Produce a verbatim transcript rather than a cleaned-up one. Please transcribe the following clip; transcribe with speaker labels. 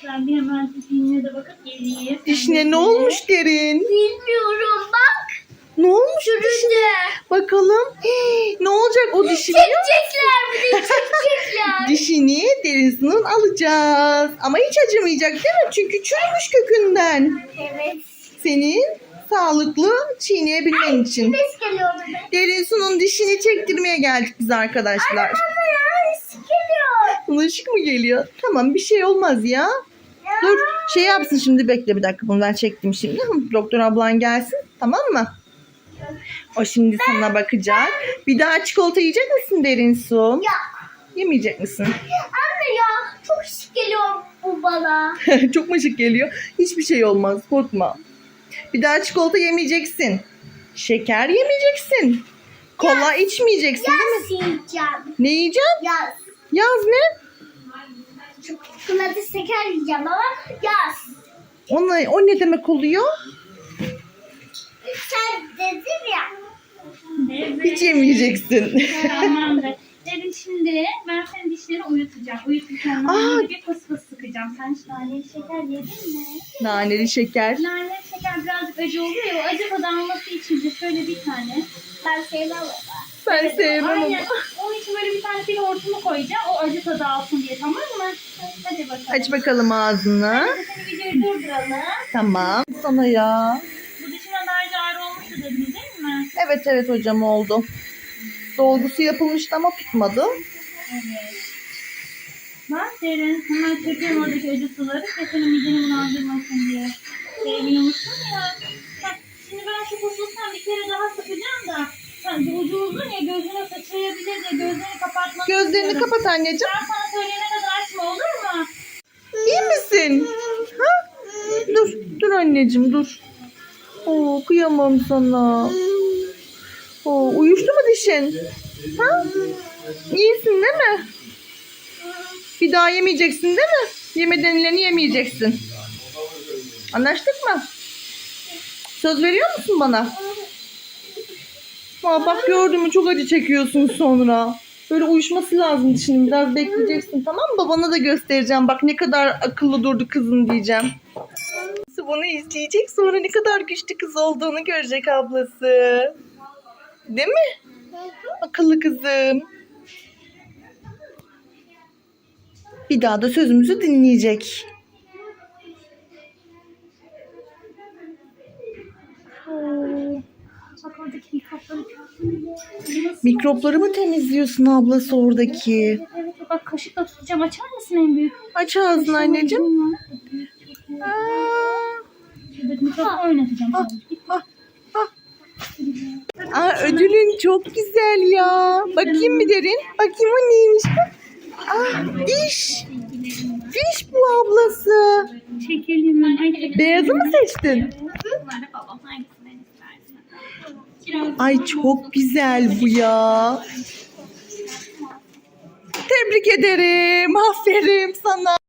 Speaker 1: Ben bir hemen dişine de bakıp geleyim.
Speaker 2: Dişine ne olmuş Derin?
Speaker 3: Bilmiyorum bak.
Speaker 2: Ne olmuş dişine? Bakalım. Hii, ne olacak o dişine?
Speaker 3: Çekecekler bir de çekecekler.
Speaker 2: Dişini Derin'in alacağız. Ama hiç acımayacak değil mi? Çünkü çürümüş kökünden.
Speaker 3: Evet.
Speaker 2: Senin sağlıklı çiğneyebilmen için.
Speaker 3: Ses geliyordu be.
Speaker 2: Derin Su'nun dişini çektirmeye geldik biz arkadaşlar.
Speaker 3: Anne ya ses geliyor.
Speaker 2: Buna ışık mı geliyor? Tamam bir şey olmaz ya. Dur şey yapsın şimdi bekle bir dakika bunu ben çektim şimdi. Doktor ablan gelsin tamam mı? O şimdi sana bakacak. Bir daha çikolata yiyecek misin Derin Su?
Speaker 3: Yok.
Speaker 2: Yemeyecek misin?
Speaker 3: Anne ya çok şık geliyor bu bana.
Speaker 2: Çok mu ışık geliyor? Hiçbir şey olmaz korkma. Bir daha çikolata yemeyeceksin. Şeker yemeyeceksin. Kola içmeyeceksin değil mi?
Speaker 3: Yaz yiyeceğim.
Speaker 2: Ne yiyeceksin?
Speaker 3: Yaz.
Speaker 2: Yaz ne?
Speaker 3: Çikolata şeker yiyeceğim ama yaz.
Speaker 2: Ona, o ne demek oluyor?
Speaker 3: Sen dedin ya.
Speaker 1: Evet.
Speaker 2: Hiç yemeyeceksin.
Speaker 1: Tamamdır. Dedim şimdi ben senin dişleri uyutacağım. Uyuturken
Speaker 2: Aa.
Speaker 1: naneli bir fıs fıs sıkacağım. Sen hiç naneli şeker yedin mi?
Speaker 2: Naneli şeker.
Speaker 1: Naneli şeker birazcık acı oluyor ya. O acı tadı alması için de şöyle bir tane.
Speaker 3: Ben sevmem ama.
Speaker 2: Ben sevmem ama.
Speaker 1: Aynen. Onun için böyle bir tane fil hortumu koyacağım. O acı tadı alsın diye tamam mı? Hadi bakalım.
Speaker 2: Aç bakalım ağzını.
Speaker 1: Hadi seni videoyu durduralım.
Speaker 2: Tamam. Sana ya.
Speaker 1: Bu dişime daha ağrı olmuştu dediniz değil mi?
Speaker 2: Evet evet hocam oldu. Dolgusu yapılmıştı ama tutmadı.
Speaker 1: Evet. Bak derin. Hemen çekiyorum oradaki acı suları. Sesini mideni bulandırmasın diye. Sevmiyormuşsun ya. Bak şimdi ben şu kusuzdan bir kere daha sıkacağım da. Sen de ucu uzun ya gözüne sıçrayabilir diye gözlerini kapatmanı
Speaker 2: Gözlerini
Speaker 1: istiyorum.
Speaker 2: kapat anneciğim.
Speaker 1: Ben sana söyleyene kadar açma olur mu?
Speaker 2: İyi misin? Ha? Dur, dur anneciğim dur. Oo, kıyamam sana. Oo, uyuştu mu dişin? Ha? İyisin değil mi? Bir daha yemeyeceksin değil mi? Yeme denileni yemeyeceksin. Anlaştık mı? Söz veriyor musun bana? Aa, bak gördün mü çok acı çekiyorsun sonra. Böyle uyuşması lazım dişinin. Biraz bekleyeceksin tamam mı? Babana da göstereceğim. Bak ne kadar akıllı durdu kızın diyeceğim. Bunu izleyecek sonra ne kadar güçlü kız olduğunu görecek ablası. Değil mi? Akıllı kızım. Bir daha da sözümüzü dinleyecek.
Speaker 1: Bak oradaki mikropları.
Speaker 2: Mikropları mı temizliyorsun ablası oradaki?
Speaker 1: Evet, evet bak kaşıkla tutacağım. Açar mısın en büyük?
Speaker 2: Aç ağzını anneciğim. Aa,
Speaker 1: Şuradaki mikropla oynatacağım.
Speaker 2: ah, ah, ah. Aa, ödülün çok güzel ya. Bakayım bir Derin. Bakayım o neymiş. Ah, diş. Diş bu ablası.
Speaker 1: Çekelim. Ay,
Speaker 2: Beyazı mı seçtin?
Speaker 1: Bunları babam hangisinden istersen. Kiraz.
Speaker 2: Ay çok güzel bu ya. Tebrik ederim. Aferin sana.